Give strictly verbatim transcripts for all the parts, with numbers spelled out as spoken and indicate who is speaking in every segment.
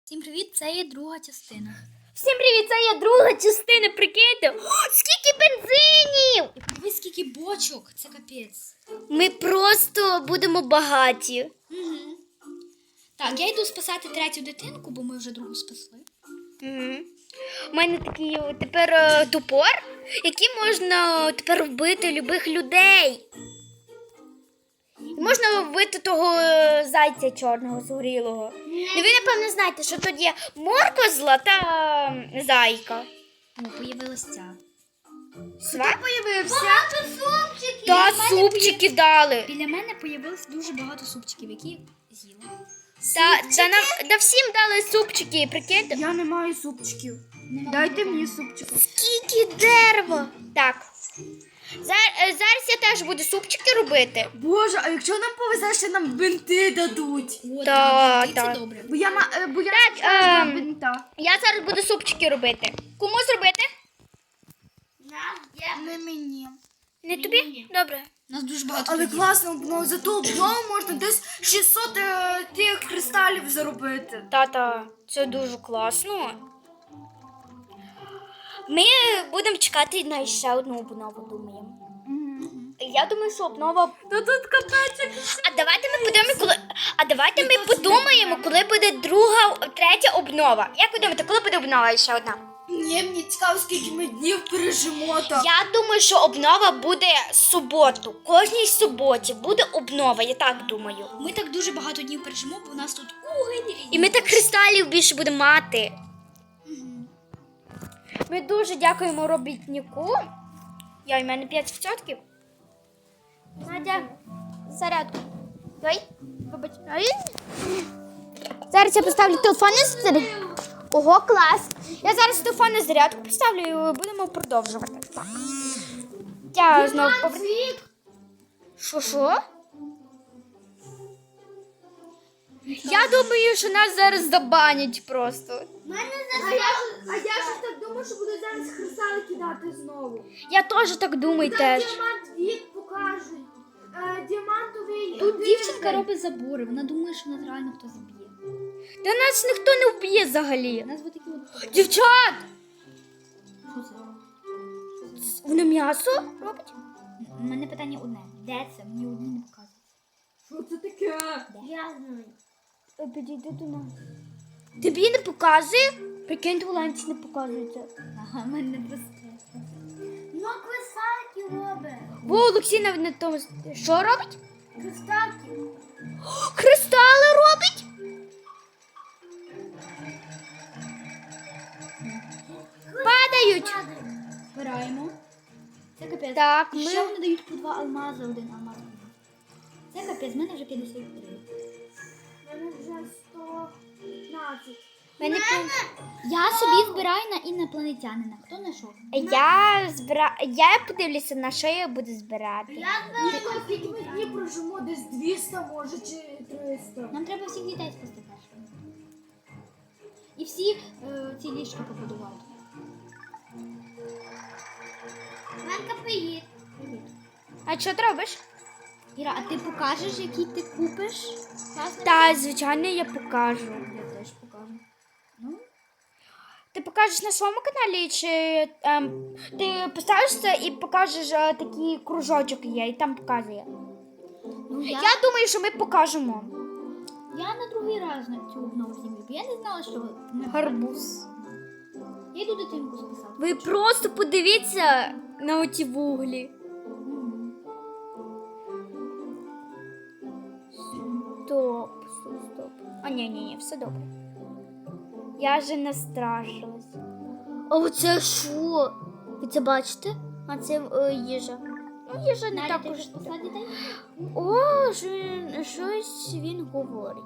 Speaker 1: Всім привіт, це є друга частина.
Speaker 2: Всім привіт, це є друга частина, прикиньте. О, скільки бензинів!
Speaker 1: І подивись, скільки бочок, це капець.
Speaker 2: Ми просто будемо багаті.
Speaker 1: Угу. Так, я йду спасати третю дитинку, бо ми вже другу спасли.
Speaker 2: Угу. У мене такий о, тепер е, топор, який можна тепер вбити любих людей. І можна вбити того е, зайця чорного, згорілого. І ви, напевно, знаєте, що тут є морква зла та е, зайка.
Speaker 1: О, появилась ця.
Speaker 2: Сва?
Speaker 1: Появився.
Speaker 2: супчики. Та супчики дали.
Speaker 1: Біля мене появилось дуже багато супчиків, які з'їла.
Speaker 2: Та, та нам да всім дали супчики, прикиньте.
Speaker 3: Я не маю супчиків.
Speaker 1: Нема
Speaker 3: Дайте
Speaker 1: нікого.
Speaker 3: мені супчики.
Speaker 2: Скільки дерева. Так. Зараз, зараз я теж буду супчики робити.
Speaker 3: Боже, а якщо нам повезе, ще нам бинти дадуть.
Speaker 1: О,
Speaker 2: Та,
Speaker 1: так,
Speaker 2: та.
Speaker 1: це добре.
Speaker 3: Бо я, ма- е, бо я
Speaker 2: Так,
Speaker 3: на
Speaker 2: ем,
Speaker 3: бинта.
Speaker 2: Я зараз буду супчики робити. Кому зробити?
Speaker 3: Не мені.
Speaker 2: Не тобі? Добре.
Speaker 1: У нас дуже багато
Speaker 3: Але
Speaker 1: людей.
Speaker 3: класно, ну, за ту обнову можна десь шістсот е, тих кристалів заробити.
Speaker 2: Тата, це дуже класно. Ми будемо чекати на ще одну обнову, думаємо. Я думаю, що обнова.
Speaker 3: Та тут капець.
Speaker 2: А давайте ми подумаємо, коли. А давайте ми подумаємо, коли буде друга, третя обнова. Як ви думаєте, коли буде обнова ще одна?
Speaker 3: Ні, мені цікаво, скільки ми днів пережимо так.
Speaker 2: Я думаю, що обнова буде суботу. Кожній суботі буде обнова, я так думаю.
Speaker 1: Ми так дуже багато днів пережимо, бо у нас тут угень.
Speaker 2: І ми так кристалів більше будемо мати. Ми дуже дякуємо робітнику. Я, у мене п'ять відсотків. Надя, зарядку. Дай, вибач. Ай. Зараз я поставлю телефон на зарядку. Ого, клас. Я зараз телефон на зарядку поставлю і будемо продовжувати. Так. Я знову повер... Що, що? Я думаю, що нас зараз забанять просто.
Speaker 3: А я, а я ж так думаю, що буду зараз кристали кидати знову.
Speaker 2: Я теж так думаю теж.
Speaker 3: Діамант вік покажуть. Е, діамантовий.
Speaker 1: Тут дівчинка робить забори, вона думає, що нас реально хтось зб'є.
Speaker 2: Та нас ніхто не вб'є взагалі.
Speaker 1: У нас вот такі от...
Speaker 2: Дівчат!
Speaker 1: Що це?
Speaker 2: Воно м'ясо робить?
Speaker 1: У мене питання одне. Де це? Мені одні не показують.
Speaker 3: Що це таке?
Speaker 1: Я знаю.
Speaker 2: Підійди до нас. Тобі не показує? Прикинь, у ланці не показується.
Speaker 1: Ага, в мене не просто.
Speaker 3: Ну, кристалки робить.
Speaker 2: Бо Олексій навіть на тому. Що робить?
Speaker 3: Кристалки.
Speaker 2: Кристали робить? Падають.
Speaker 1: Збираємо. Це капець.
Speaker 2: Так,
Speaker 1: І
Speaker 2: ми-
Speaker 1: ще вони дають по два алмази, один алмаз. Це капець, в мене вже п'ятдесят три.
Speaker 3: У мене вже сто п'ятнадцять.
Speaker 2: Мене...
Speaker 1: Я собі збираю на інопланетянина. Хто знайшов?
Speaker 2: Я збира... Я подивлюся, на що я буду збирати.
Speaker 3: Я знаю, скільки ми днів прожимо, десь двісті, може, чи триста.
Speaker 1: Нам треба всіх дітей спасти першими. І всі е, ці ліжка побудувати.
Speaker 3: Манка, привіт.
Speaker 1: Привіт.
Speaker 2: А що ти робиш?
Speaker 1: Іра, а ти покажеш, який ти купиш? Класно?
Speaker 2: Та, звичайно, я покажу.
Speaker 1: Я теж покажу. Ну,
Speaker 2: Ти покажеш на своєму каналі, чи ем, ти поставиш це і покажеш е, такий кружочок є, і там показує.
Speaker 1: ну я,
Speaker 2: Я думаю, що ми покажемо.
Speaker 1: я на другий раз на цю обнову знімлю, бо я не знала, що ми...
Speaker 2: Гарбуз.
Speaker 1: Я йду дитинку спасати.
Speaker 2: Ви просто подивіться на оті вуглі.
Speaker 1: Мгм.
Speaker 2: Стоп, стоп, стоп. А ні, ні, ні, все добре. Я вже настрашилась. А оце що? Ви це бачите? А це е, їжа. Ну, їжа не
Speaker 1: Надя,
Speaker 2: так
Speaker 1: ти
Speaker 2: уж.
Speaker 1: вже спасла дітей?
Speaker 2: О, що він- щось він говорить.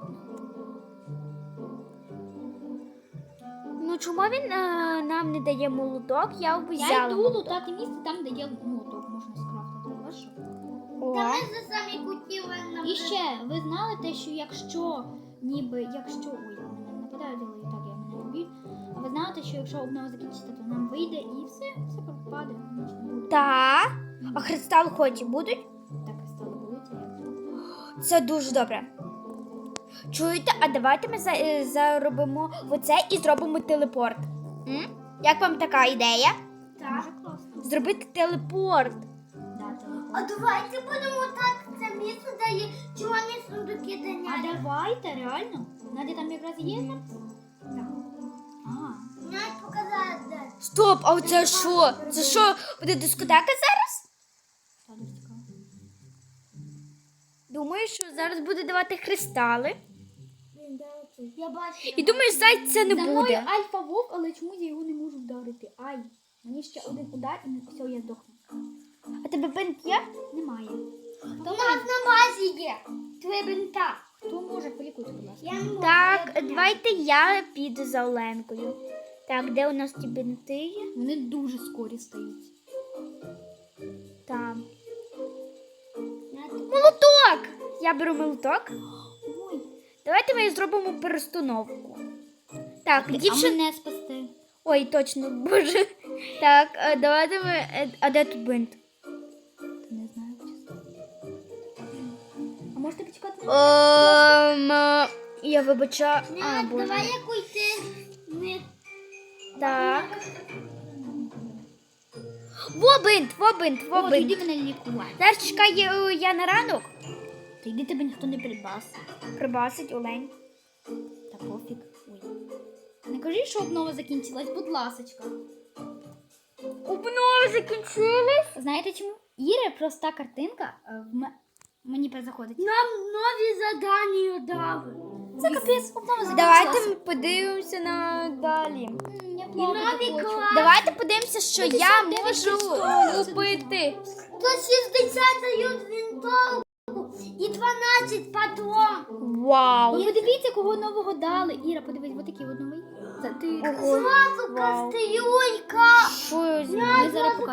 Speaker 2: Ну, чому він е, нам не дає молоток? Я б
Speaker 1: Я
Speaker 2: взяла.
Speaker 1: йду
Speaker 2: молоток.
Speaker 1: лутати місце там, де є молоток, можна скрафтити. Хорошо?
Speaker 2: О.
Speaker 3: за самі кутіли на
Speaker 1: І ще, ви знали те, що якщо, ніби, якщо, ой, мене нападають, але і так я мене не б'ють. А ви знаєте, що якщо обнова закінчиться, то нам вийде і все, все пропаде, нічого не буде.
Speaker 2: Та. А кристал хоч і будуть?
Speaker 1: Так і стало болити, як
Speaker 2: Це дуже добре. Чуєте, а давайте ми за, е, заробимо оце і зробимо телепорт. М? Як вам така ідея?
Speaker 1: Дуже класно.
Speaker 2: Зробити телепорт.
Speaker 1: Да, телефон.
Speaker 4: А давайте будемо так, це місце дає червоні сундуки
Speaker 1: А
Speaker 4: доняти.
Speaker 1: давайте, реально? Надя там якраз є? Так. А,
Speaker 4: Навіть показати, де.
Speaker 2: Стоп, а оце що? Це що, буде дискотека зараз?
Speaker 1: та дуже цікаво.
Speaker 2: Думаю, що зараз буде давати кристали.
Speaker 4: Блін, де оце? Я бачу.
Speaker 2: І думаю, зайць це не
Speaker 1: За мною
Speaker 2: буде.
Speaker 1: альфа вовк, але чомусь я його не можу вдарити. Ай, мені ще один удар і все, я здохну.
Speaker 2: А тебе бинт є?
Speaker 1: Немає.
Speaker 4: У нас на базі є. Твоє бинта.
Speaker 1: Хто може полікуйте, будь ласка?
Speaker 4: Я не можу.
Speaker 2: Так,
Speaker 4: я не
Speaker 2: давайте я піду за Оленкою. Так, де у нас ті бинти є?
Speaker 1: Вони дуже скорі стають.
Speaker 2: Там.
Speaker 4: знаю.
Speaker 2: Молоток! Я беру молоток.
Speaker 1: Ой,
Speaker 2: Давайте ми зробимо перестановку. Так,
Speaker 1: а
Speaker 2: дівчина.
Speaker 1: мене спасти.
Speaker 2: Ой, точно, боже. Так, е, давайте ми. е, А де тут бинт?
Speaker 1: Не знаю, чесно. А можете почекати?
Speaker 2: Ем, е, я вибачаю. А,
Speaker 4: Ня,
Speaker 2: боже.
Speaker 4: давай яку йти. Не.
Speaker 2: Так. Во бинт, во бинт, во
Speaker 1: О,
Speaker 2: бинт.
Speaker 1: тоді мене лікувати.
Speaker 2: Зараз чекай е, я на ранок.
Speaker 1: Та йди тебе ніхто не прибас.
Speaker 2: Прибасить Олень.
Speaker 1: Та пофіг. Ой. Не кажи, що обнова закінчилась, будь ласочка.
Speaker 2: Обнови закінчились.
Speaker 1: Знаєте чому? Іра проста картинка е, в ме- мені перезаходить.
Speaker 4: Нам нові задання дали.
Speaker 1: Це капець, обнова закінчилась.
Speaker 2: Давайте ми подивимося на далі.
Speaker 1: М, Я
Speaker 4: І
Speaker 1: плакати
Speaker 4: нові
Speaker 1: хочу.
Speaker 4: класи.
Speaker 2: Давайте подивимося, що я
Speaker 1: п'ятдесят дев'ять
Speaker 2: можу
Speaker 1: відсотків.
Speaker 2: купити.
Speaker 4: сто шістдесят дають винтовку і дванадцять патрон.
Speaker 2: Вау.
Speaker 1: І ви дивіться, кого нового дали. Іра, подивись, ось такий от новий. Це ти.
Speaker 2: Ого.
Speaker 4: Зразу
Speaker 2: Вау.
Speaker 4: кастрюлька.